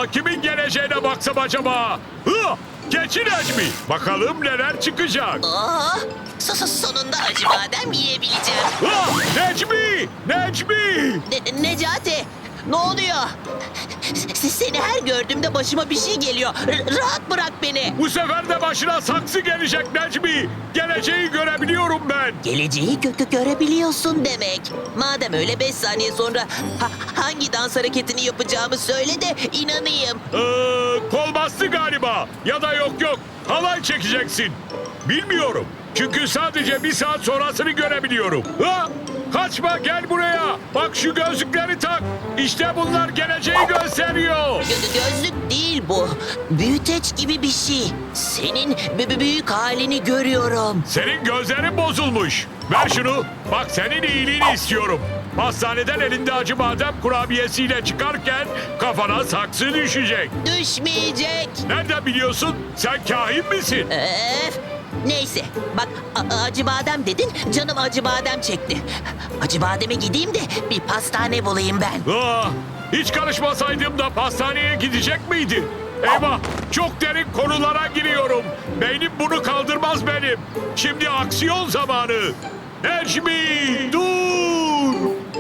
kimin geleceğine baksam acaba? Hı! Keçi Necmi. Bakalım neler çıkacak. Oh, sonunda acıbadem yiyebileceğim. Ha! Necmi! Necmi! Necati, ne oluyor? Seni her gördüğümde başıma bir şey geliyor. Rahat bırak beni. Bu sefer de başına saksı gelecek Necmi. Geleceği görebiliyorum ben. Geleceği görebiliyorsun demek. Madem öyle 5 saniye sonra hangi dans hareketini yapacağımı söyle de inanayım. Kol bastı galiba. Ya da yok. Halay çekeceksin. Bilmiyorum. Çünkü sadece bir saat sonrasını görebiliyorum. Ha! Kaçma, gel buraya. Bak şu gözlükleri tak. İşte bunlar geleceği gösteriyor. Gözlük değil bu. Büyüteç gibi bir şey. Senin büyük halini görüyorum. Senin gözlerin bozulmuş. Ver şunu. Bak senin iyiliğini istiyorum. Hastaneden elinde acı badem kurabiyesiyle çıkarken kafana saksı düşecek. Düşmeyecek. Nereden biliyorsun? Sen kahin misin? Neyse bak acı badem dedin, canım acı badem çekti. Acı bademe gideyim de bir pastane bulayım ben. Hiç karışmasaydım da pastaneye gidecek miydin? Eyvah, çok derin konulara giriyorum. Beynim bunu kaldırmaz benim. Şimdi aksiyon zamanı. Necmi, dur!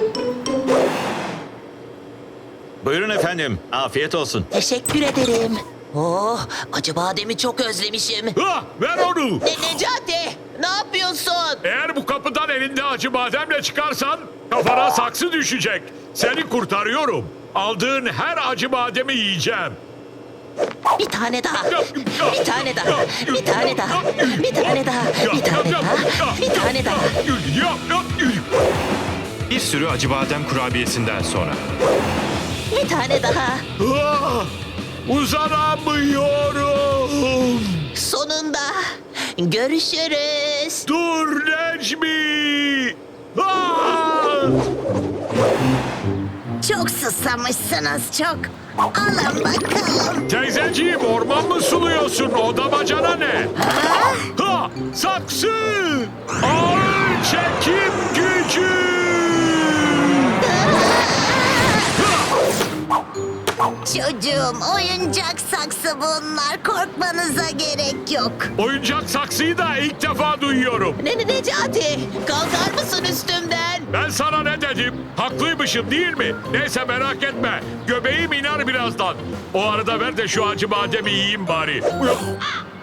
Buyurun efendim. Afiyet olsun. Teşekkür ederim. Oh, acı bademi çok özlemişim. Ver onu. Necati, ne yapıyorsun? Eğer bu kapıdan elinde acı bademle çıkarsan kafana saksı düşecek. Seni kurtarıyorum. Aldığın her acı bademi yiyeceğim. Bir tane daha. Bir tane daha. Bir tane daha. Bir tane daha. Bir tane daha. Bir tane daha. Bir sürü acı badem kurabiyesinden sonra. Bir tane daha. Uzanamıyorum. Sonunda. Görüşürüz. Dur Necmi. Çok susamışsınız çok. Alın bakalım. Teyzeciğim, orman mı suluyorsun? O damacana ne? Ha, saksı. Ağır çekim gücü. Çocuğum oyuncak saksı bunlar. Korkmanıza gerek yok. Oyuncak saksıyı da ilk defa duyuyorum. Necati, kalkar mısın üstümden? Ben sana ne dedim? Haklıymışım değil mi? Neyse merak etme. Göbeğim iner birazdan. O arada ver de şu acı bademi yiyeyim bari.